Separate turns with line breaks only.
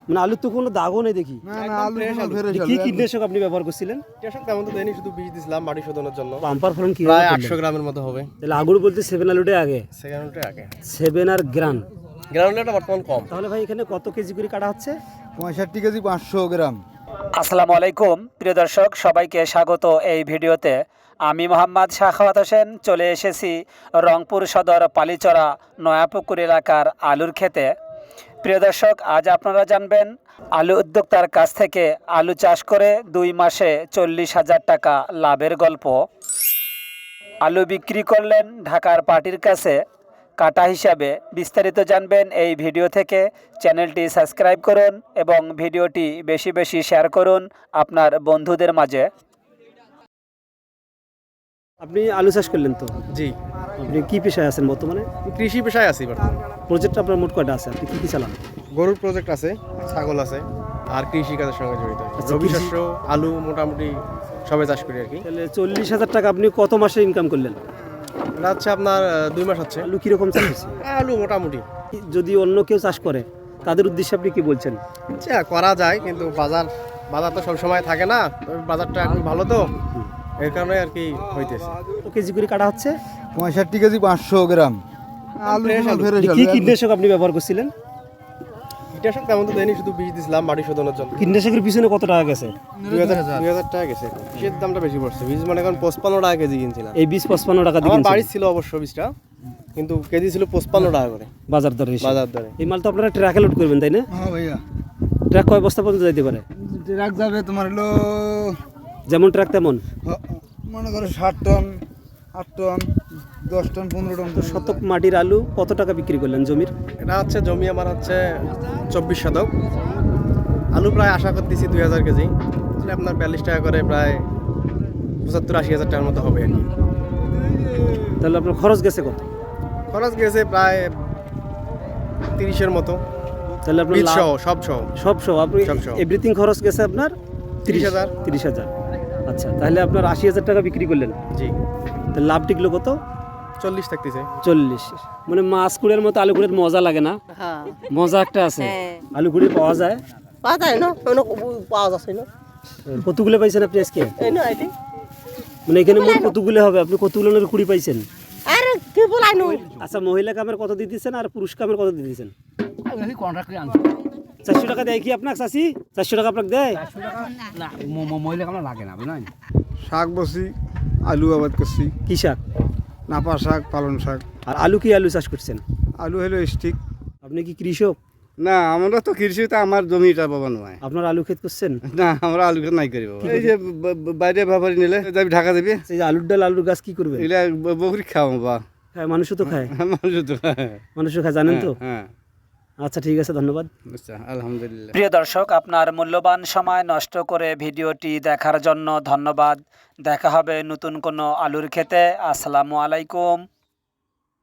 মানে আলুর তো কোনো দাগও নেই দেখি।
না না, আলু ফ্রেশ
কি কীটনাশক আপনি ব্যবহার করছিলেন?
কীটনাশক তেমন তো দেয়নি, শুধু বীজ দিছিলাম মাটি শোধনের জন্য।
বাম্পার ফলন কি
প্রায় 800 গ্রামের মতো হবে।
তাহলে আগুর বলতে 7 আলুটাই আগে,
সেকেন্ডটা আগে
7 আর গ্রাম।
গ্রাউন্ডটা বর্তমান কম।
তাহলে ভাই এখানে কত কেজি করে কাটা হচ্ছে?
65 কেজি 500 গ্রাম।
আসসালামু আলাইকুম প্রিয় দর্শক, সবাইকে স্বাগত এই ভিডিওতে। আমি মোহাম্মদ শাখাওয়াত হোসেন চলে এসেছি রংপুর সদর পালিচরা নয়াপুকুর এলাকার আলুর ক্ষেতে। প্রিয় দর্শক, আজ আপনারা জানবেন আলু উদ্যোক্তার কাছ থেকে আলু চাষ করে 2 মাসে 40,000 টাকা লাভের গল্প। আলু বিক্রি করলেন ঢাকার পার্টির কাছে কাটা হিসাবে। বিস্তারিত জানবেন এই ভিডিও থেকে। চ্যানেলটি সাবস্ক্রাইব করুন এবং ভিডিওটি বেশি বেশি শেয়ার করুন আপনার বন্ধুদের মাঝে।
আপনি আলু চাষ করলেন তো?
জি,
আপনি কি পেশায় আছেন বর্তমানে?
কৃষি পেশায় আছি বর্তমানে।
প্রজেক্ট আপনার মোট কয়টা আছে? আপনি কি কি চালান?
গরুর প্রজেক্ট আছে, ছাগল আছে, আর কৃষি কাজের সঙ্গে জড়িত।
আচ্ছা,
রবি
কৃষি-
শস্য, আলু মোটামুটি সবাই চাষ করি আর কি।
তাহলে 40,000 টাকা আপনি কত মাসে ইনকাম করলেন?
এটা হচ্ছে আপনার 2 মাস হচ্ছে।
আলু কীরকম চাষ হচ্ছে?
আলু মোটামুটি
যদি অন্য কেউ চাষ করে তাদের উদ্দেশ্যে আপনি কি বলছেন?
আচ্ছা করা যায়, কিন্তু বাজার তো সব সময় থাকে না। তবে বাজারটা একটু ভালো তো, এর কারণে আর কি হইতেছে।
কত কেজি করে কাটা হচ্ছে?
65 কেজি 500 গ্রাম। আলু
ফ্রেশ আলু।
ফ্রেশ
কি
আলু।
কীটনাশক আপনি ব্যবহার করছিলেন?
কীটনাশক তেমন তো দেয়নি, শুধু বীজ দিছিলাম মাটি শোধনের জন্য।
কীটনাশকের পিছনে কত টাকা গেছে?
2000 টাকা গেছে। বীজের দামটা বেশি পড়ছে। বীজ মানে এখন 55 টাকা কেজি কিনছিলাম।
এই 20-55 টাকা দিয়ে
আমার
কিনছেন?
বাড়ি ছিল অবশ্য বীজটা, কিন্তু কেজি ছিল 55 টাকা করে
বাজার দরে হিসেবে।
বাজার দরে।
এই মাল তো আপনারা ট্রাকে লোড করবেন তাই না?
হ্যাঁ ভাইয়া,
ট্রাক কয় বস্তা পর্যন্ত যাইতে পারে?
ট্রাক যাবে তোমার হলো
যেমন ট্রাক তেমন।
মনে করো 60 টন, 8 টন, 10 টন, 15 টন।
তো শতক মাটির আলু কত টাকা বিক্রি করলেন জমির?
এটা হচ্ছে জমি আমার হচ্ছে 24 শতক। আলু প্রায় আশা করতেছি 2000 কেজি, তাহলে আপনার 42 টাকা করে প্রায় 75-80 হাজার টাকার মতো হবে আর কি।
তাহলে আপনার খরচ গেছে কত?
খরচ গেছে প্রায় 30-এর মতো,
তাহলে আপনার
বীজ
লাভ-
সহ সব সহ।
সব সহ আপনি
সব সহ।
এভরিথিং খরচ গেছে আপনার
30,000।
30,000। আচ্ছা, তাহলে আপনার 80,000 টাকা বিক্রি করলেন।
জি,
তাহলে লাভ টিকলো কত?
40 থাকতেছে।
40। মানে মাছ কুড়ের মতো আলু কুড়ের মজা লাগে না?
হ্যাঁ
মজা একটা আছে।
হ্যাঁ।
আলু কুড়ি পাওয়া যায়।
পাওয়া যায় না, অনেক পাওয়া যাচ্ছে না।
কতগুলো পাইছেন আপনি আজকে?
এই না এটি
মানে এখানে মোট কতগুলো হবে? আপনি কতগুলো কুড়ি পাইছেন?
আরে কি বলাই নই
আচ্ছা, মহিলা কামের কত দিয়ে দিচ্ছেন আর পুরুষ কামের কত দিয়ে দিচ্ছেন? 400 টাকা দেয় কি আপনাকে চাষি? 400 টাকা আপনাকে দেয়?
শাক বসি, আলু আবাদ করছি,
কি শাক?
নাপা শাক, পালন শাক।
আর আলু কি আলু চাষ করছেন?
আলু হলো স্টিক।
আপনি কি কৃষক?
না, আমরা তো কৃষিতে আমার জমিটা বাবা নয়।
আপনার আলু ক্ষেত করছেন?
না, আমরা আলু নাই করি বাবা। এই যে বাইরে ব্যাপারী নিলে যাবি ঢাকা দেবে,
সেই যে আলুর ডাল আলুর গাছ কি করবে?
এগুলা বকরি খাওয়া বা
খায়, মানুষও তো খায়।
মানুষ তো
মানুষও খায়, জানেন তো?
হ্যাঁ,
আচ্ছা, ঠিক আছে, ধন্যবাদ।
আচ্ছা, আলহামদুলিল্লাহ।
প্রিয় দর্শক, আপনার মূল্যবান সময় নষ্ট করে ভিডিওটি দেখার জন্য ধন্যবাদ। দেখা হবে নতুন কোনো আলুর ক্ষেতে। আসসালামু আলাইকুম।